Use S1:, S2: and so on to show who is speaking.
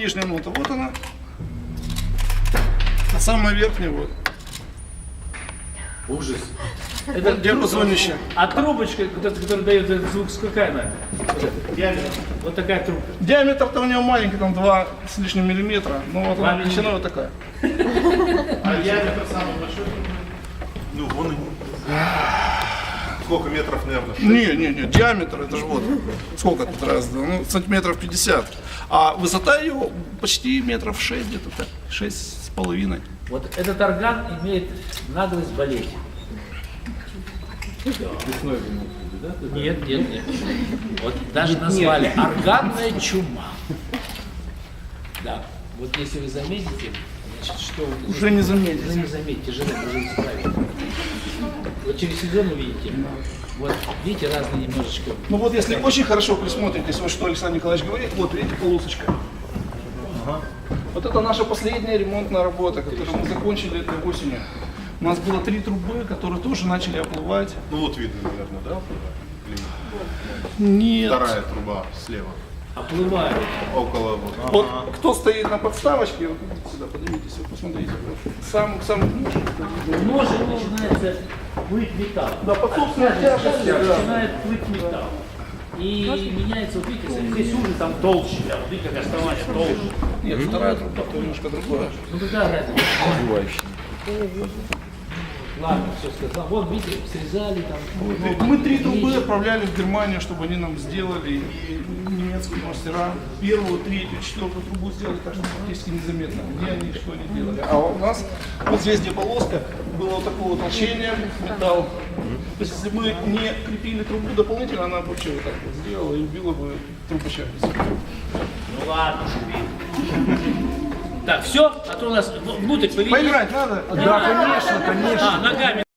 S1: нижняя нота, вот она. А самая верхняя вот.
S2: Ужас.
S1: Это диапазонище.
S2: А трубочка, которая дает этот звук, какая она?
S1: Диаметр.
S2: Вот такая трубка.
S1: Диаметр-то у него маленький, там 2 с лишним миллиметра. Ну вот она
S2: Маленький.
S1: величина вот такая.
S3: А диаметр самый большой? Ну, вон и... Сколько метров, наверное? 6?
S1: Не, диаметр, это же вот. Сколько тут раз? Ну, сантиметров 50. А высота ее почти метров 6 где-то так. 6,5.
S2: Вот этот орган имеет наглость болеть. Нет. Вот даже назвали органная чума. Да. Вот если вы заметите, значит, что вы
S1: Уже не заметите.
S2: Уже не заметите, тяжело уже исправить. Вот через сезон увидите. Вот видите, разные немножечко.
S1: Ну вот если очень хорошо присмотритесь, вот что Александр Николаевич говорит, вот видите полосочка. Вот это наша последняя ремонтная работа, которую мы закончили этой осенью. У нас было 3 трубы, которые тоже начали оплывать.
S3: Ну вот видно, наверное, да?
S1: Нет.
S3: Вторая труба слева.
S2: Оплывают.
S3: Около вот.
S1: Вот кто стоит на подставочке, вот сюда поднимитесь, вот посмотрите. Сам
S2: Ножик начинается плыть металл.
S1: Да, под собственной тяжестью, да.
S2: Начинает плыть металл. И меняется, вот видите, здесь угол там толще, а вот видите, как основание толще.
S1: Нет, вторая труба немножко другая.
S2: Ну какая разница? Ладно, все сказал. Вот видите, срезали там.
S1: Мы 3 трубы отправляли в Германию, чтобы они нам сделали, и немецкие мастера первую, третью, четвертую трубу сделали, так что практически незаметно, где они, что они делали. А у нас вот здесь, где полоска, было вот такое толщение, металл. То есть, если мы не крепили трубу дополнительно, она бы вообще вот так вот сделала и убила бы трубочек.
S2: Ну ладно, шубит. Так, все, а то у нас внутрь поведение.
S1: Поиграть надо?
S2: Да, конечно. А, ногами.